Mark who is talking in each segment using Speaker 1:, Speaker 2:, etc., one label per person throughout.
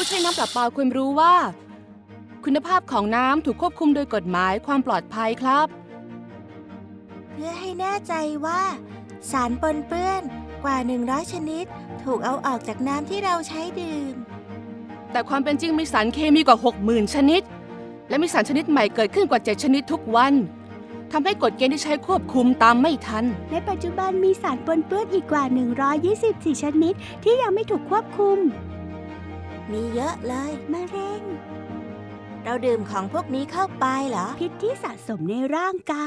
Speaker 1: ผู้ใช้น้ำประปาควรรู้ว่า คุณภาพของน้ำถูกควบคุมโดยกฎหมายความปลอดภัยครับ
Speaker 2: เพื่อให้แน่ใจว่า สารปนเปื้อนกว่า 100 ชนิด ถูกเอาออกจากน้ำที่เราใช้ดื่ม
Speaker 1: แต่ความเป็นจริงมีสารเคมีกว่า 60,000 ชนิด และมีสารชนิดใหม่เกิดขึ้นกว่า 7 ชนิดทุกวันทำให้กฎเกณฑ์ที่ใช้ควบคุมตามไม่ทัน
Speaker 3: ในปัจจุบันมีสารปนเปื้อนอีกกว่า 124 ชนิดที่ยังไม่ถูกควบคุม
Speaker 2: มีเยอะเลย
Speaker 3: มะเร็ง
Speaker 2: เราดื่มของพวกนี้เข้าไปเหรอ
Speaker 3: พิษที่สะสมในร่างกาย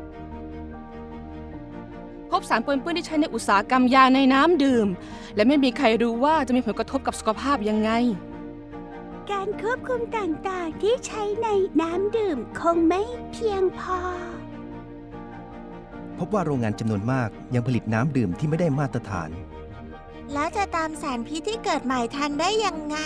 Speaker 1: พบสารปนเปื้อนที่ใช้ในอุตสาหกรรมยาในน้ำดื่ม และไม่มีใครรู้ว่าจะมีผลกระทบกับสุขภาพยังไง
Speaker 3: การควบคุมต่างๆที่ใช้ในน้ำดื่มคงไม่เพียงพอ
Speaker 4: พบว่าโรงงานจำนวนมากยังผลิตน้ำดื่มที่ไม่ได้มาตรฐาน
Speaker 2: แล้วจะตามสารพิษที่เกิดใหม่ทันได้ยังไง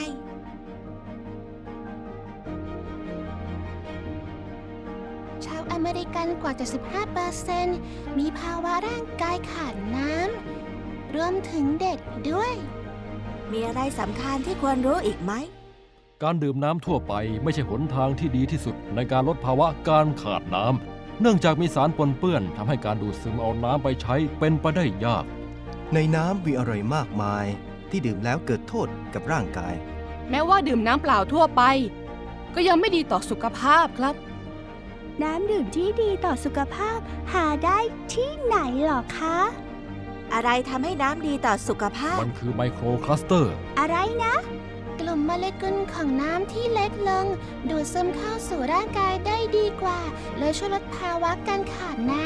Speaker 5: ชาวอเมริกันกว่า 75% มีภาวะร่างกายขาดน้ำ รวมถึงเด็กด้วย
Speaker 2: มีอะไรสำคัญที่ควรรู้อีกไหม
Speaker 6: การดื่มน้ำทั่วไปไม่ใช่หนทางที่ดีที่สุดในการลดภาวะการขาดน้ำ เนื่องจากมีสารปนเปื้อนทำให้การดูดซึมเอาน้ำไปใช้เป็นไปได้ยาก
Speaker 4: ในน้ำมีอะไรมากมายที่ดื่มแล้วเกิดโทษกับร่างกาย
Speaker 1: แม้ว่าดื่มน้ำเปล่าทั่วไป ก็ยังไม่ดีต่อสุขภาพครับ
Speaker 3: น้ำดื่มที่ดีต่อสุขภาพหาได้ที่ไหนหรอคะ
Speaker 2: อะไรทำให้น้ำดีต่อสุขภาพ
Speaker 6: มันคือไมโครคลัสเตอร์
Speaker 3: อะไรนะ
Speaker 5: กลุ่มโมเลกุลของน้ำที่เล็กลง ดูดซึมเข้าสู่ร่างกายได้ดีกว่า เลยช่วยลดภาวะการขาดน้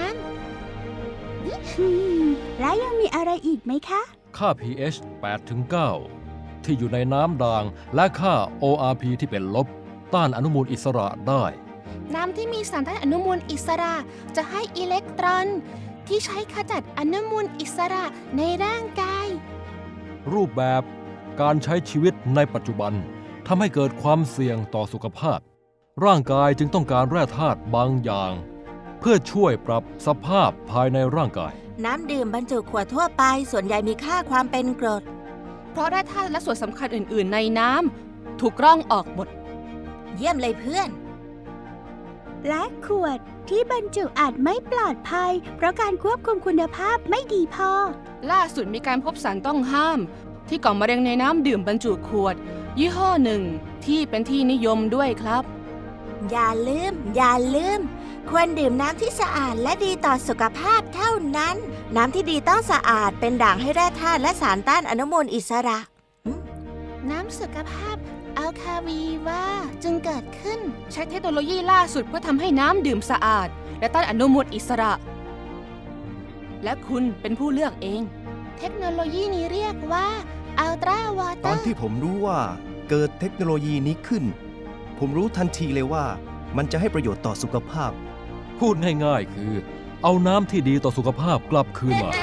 Speaker 3: และยังมีอะไรอีกไหมคะ
Speaker 6: ค่า pH 8-9 ที่อยู่ในน้ำด่างและค่า ORP ที่เป็นลบ ต้านอนุมูลอิสระได้
Speaker 5: ำ น้ำที่มีสารต้านอนุมูลอิสระจะให้อิเล็กตรอน ที่ใช้ขจัดอนุมูลอิสระในร่างกาย
Speaker 6: รูปแบบการใช้ชีวิตในปัจจุบันทำให้เกิดความเสี่ยงต่อสุขภาพ ร่างกายจึงต้องการแร่ธาตุบางอย่าง เพื่อช่วยปรับสภาพภายในร่างกาย
Speaker 2: น้ำดื่มบรรจุขวดทั่วไปส่วนใหญ่มีค่าความเป็นกรด
Speaker 1: เพราะแร่ธาตุและส่วนสำคัญอื่น ๆ ในน้ำถูกกร่องออกหมด
Speaker 2: เยี่ยมเลยเพื่อน
Speaker 3: และขวดที่บรรจุอาจไม่ปลอดภัย เพราะการควบคุมคุณภาพไม่ดีพอ
Speaker 1: ล่าสุดมีการพบสารต้องห้าม ที่ก่อมะเร็งในน้ำดื่มบรรจุขวด ยี่ห้อหนึ่งที่เป็นที่นิยมด้วยครับ
Speaker 2: อย่าลืม ควรดื่มน้ำที่สะอาดและดีต่อสุขภาพเท่านั้น น้ำที่ดีต้องสะอาดเป็นด่างให้แร่ธาตุและสารต้านอนุมูลอิสระ
Speaker 5: น้ำสุขภาพอัลคาวีว่าจึงเกิดขึ้น
Speaker 1: ใช้เทคโนโลยีล่าสุดเพื่อทำให้น้ำดื่มสะอาด และต้านอนุมูลอิสระ และคุณเป็นผู้เลือกเอง
Speaker 5: เทคโนโลยีนี้เรียกว่าอัลตราวอเต
Speaker 4: ต
Speaker 5: อ
Speaker 4: อน
Speaker 5: ร์
Speaker 4: ที่ผมรู้ว่าเกิดเทคโนโลยีนี้ขึ้น ผมรู้ทันทีเลยว่ามันจะให้ประโยชน์ต่อสุขภาพ
Speaker 6: พูดง่ายๆคือ เอาน้ำที่ดีต่อสุขภาพกลับคืนมา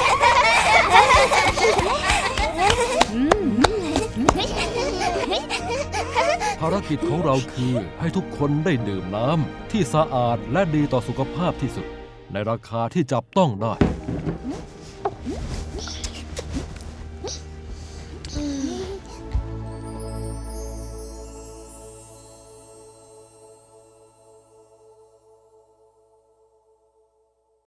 Speaker 6: ภารกิจของเราคือให้ทุกคนได้ดื่มน้ำที่สะอาดและดีต่อสุขภาพที่สุด ในราคาที่จับต้องได้